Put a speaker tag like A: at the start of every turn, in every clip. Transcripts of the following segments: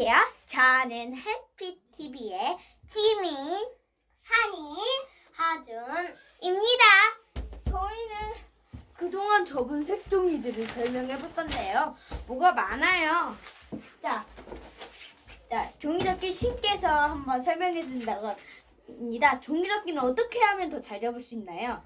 A: 안녕하세요. 저는 해피TV의 지민, 한이, 하준입니다. 저희는 그동안 접은 색종이들을 설명해 볼 건데요. 뭐가 많아요. 자, 종이접기 신께서 한번 설명해 준다고 합니다. 종이접기는 어떻게 하면 더 잘 접을 수 있나요?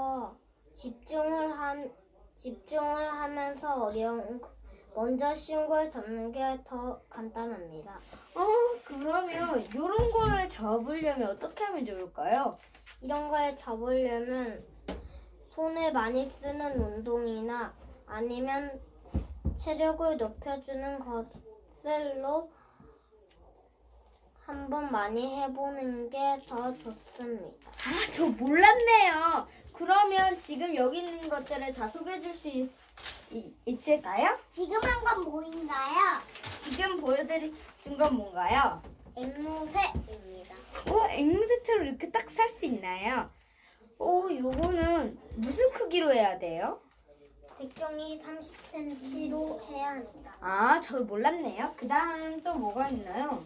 B: 집중을 하면서 먼저 쉬운 걸 접는 게 더 간단합니다.
A: 그러면 이런 거를 접으려면 어떻게 하면 좋을까요?
B: 이런 걸 접으려면 손을 많이 쓰는 운동이나 아니면 체력을 높여주는 것들로 한번 많이 해보는 게 더 좋습니다.
A: 저 몰랐네요. 그러면 지금 여기 있는 것들을 다 소개해 줄 수 있을까요?
B: 지금 한 건 뭐인가요?
A: 지금 보여드린 건 뭔가요?
B: 앵무새입니다.
A: 앵무새처럼 이렇게 딱 살 수 있나요? 요거는 무슨 크기로 해야 돼요?
B: 색종이 30cm로 해야 합니다.
A: 저 몰랐네요. 그 다음 또 뭐가 있나요?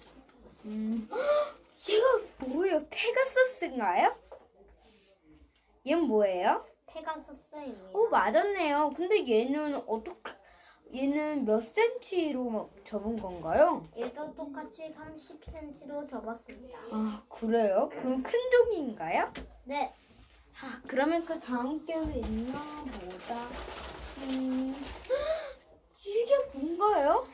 A: 얘가 뭐예요? 페가서스인가요? 얘는 뭐예요?
B: 페가수스입니다.
A: 맞았네요. 근데 얘는 몇 센치로 접은 건가요?
B: 얘도 똑같이 30cm로 접었습니다.
A: 그래요? 그럼 큰 종인가요?
B: 네,
A: 그러면 그 다음 게 있나 보다. 이게 뭔가요?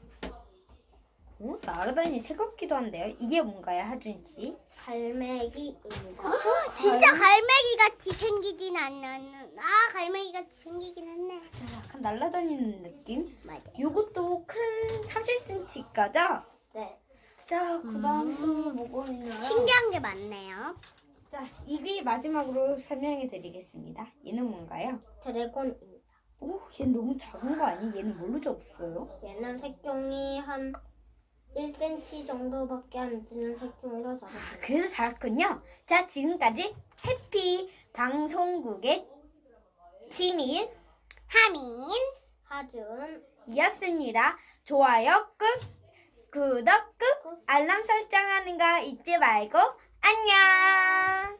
A: 날아다니는 새 같기도 한데요. 이게 뭔가요, 하준 씨?
B: 갈매기입니다.
C: 진짜 갈매기 같이 생기진 않는. 갈매기 같이 생기긴 했네.
A: 약간 날아다니는 느낌?
C: 맞아.
A: 요것도 큰 30cm까죠?
B: 네,
A: 자, 그 다음 또 뭐가 있나요?
C: 신기한 게 많네요.
A: 자, 이게 마지막으로 설명해 드리겠습니다. 얘는 뭔가요?
B: 드래곤입니다.
A: 얘는 너무 작은 거 아니? 얘는 뭘로 접었어요?
B: 얘는 색종이 한 1cm 정도밖에 안 되는 색종이로 접었습니다.
A: 그래서 작았군요. 자, 지금까지 해피 방송국의 지민,
C: 하민.
B: 하준이었습니다.
A: 좋아요 꾹, 구독 꾹, 알람 설정하는 거 잊지 말고 안녕!